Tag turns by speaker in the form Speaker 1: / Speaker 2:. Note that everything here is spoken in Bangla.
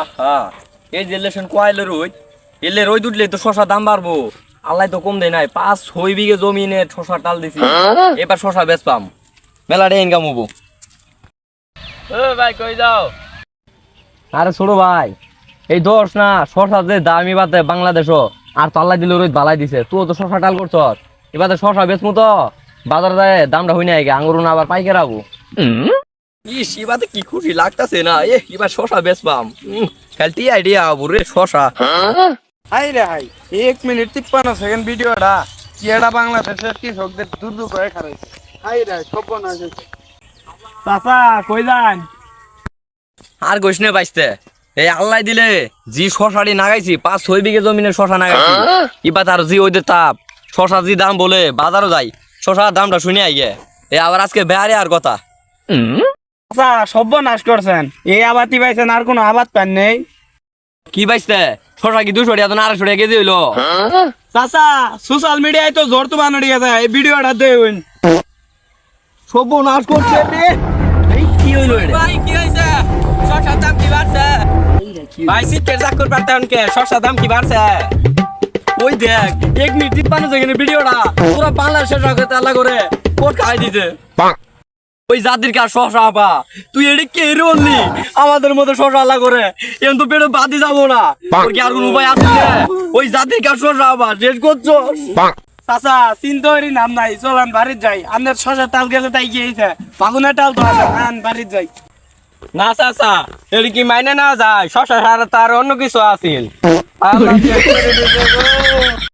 Speaker 1: আহা এই যে লেশন কোয়াইলের রই এলে রই দুটলে তো শশা দাম বাড়বো আল্লাহ তো কম দেয় নাই 5-6 বিঘে জমিনে শশা টাল দিছি এবার শশা বেচ পাম মেলাটা ইনকাম হবো। ও ভাই কই যাও? আরে ছোট ভাই এই দোষ না শশা যে দামি বাদে বাংলাদেশও আর তো আল্লাহ দিলে রই বালাই দিছে তুই তো শশা টাল করছ এবার শশা বেচমু তো বাজার যায় দামটা হই না আগে আঙুর না আবার পাইকে রাখবো। ইস এবারে কি খুশি লাগতাছে না এবার শশা বেচবাম খালি আইডিয়া বুরে শশা।
Speaker 2: হাই রে হাই 1 মিনিট 53 সেকেন্ড ভিডিওটা কি এটা বাংলাদেশের কৃষকদের দুর্যোগ হয়ে খারাইছে। হাই রে সব না চাচা কই যান?
Speaker 1: আর গোসনে বাইসতে এই আল্লাহ দিলে জি শশাটি নাগাইছি 5-6 বিঘে জমিনের শশা নাগাইছি এবার আর জি ওইদের তাপ শশা জি দাম বলে বাজারও যাই শশার দামটা শুনে আইগে এ আবার আজকে বেহারে আর কথা।
Speaker 2: চাচা সব নাশ করছেন এই আবাদই পাইছেন আর কোনো আবাদ পান নেই?
Speaker 1: কি বাইসতে শশা কি 200 টাকা না 250 টাকা কেজি হইলো?
Speaker 2: চাচা সোশ্যাল মিডিয়ায় তো জোর তো বানাড়ি গেছে এই ভিডিওটা দেখুন
Speaker 1: সব নাশ করছে রে এই কি হইলো রে ভাই কি হইছে শশার দাম কি বাড়ছে ভাই সিটের চাকর পারতেন কে শশার দাম কি বাড়ছে ওই দেখ 1 মিনিট 53 সেকেন্ডের ভিডিওটা পুরো বাংলাদেশের সরকার তালা করে কোট খাই দিতে ওই জাতির কাজ শশা আপা তুই এডি কে রললি আমাদের মধ্যে শশা আলা করে এখন তো পেটে বাদি যাবো না তোর কি আর কোনো উপায় আছে ওই জাতির কাজ শশা আপা শেষ করছো।
Speaker 2: চাচা চিন্তা করি নাম নাই চলেন বাড়ির যাই আপনার শশার তাল গেছে তাই গিয়েছে বাগুনের টাল তো আছে আন বাড়ির যাই।
Speaker 1: না চাচা এর কি মাইনে না যায় শশা ছাড়া তার অন্য কিছু আছিল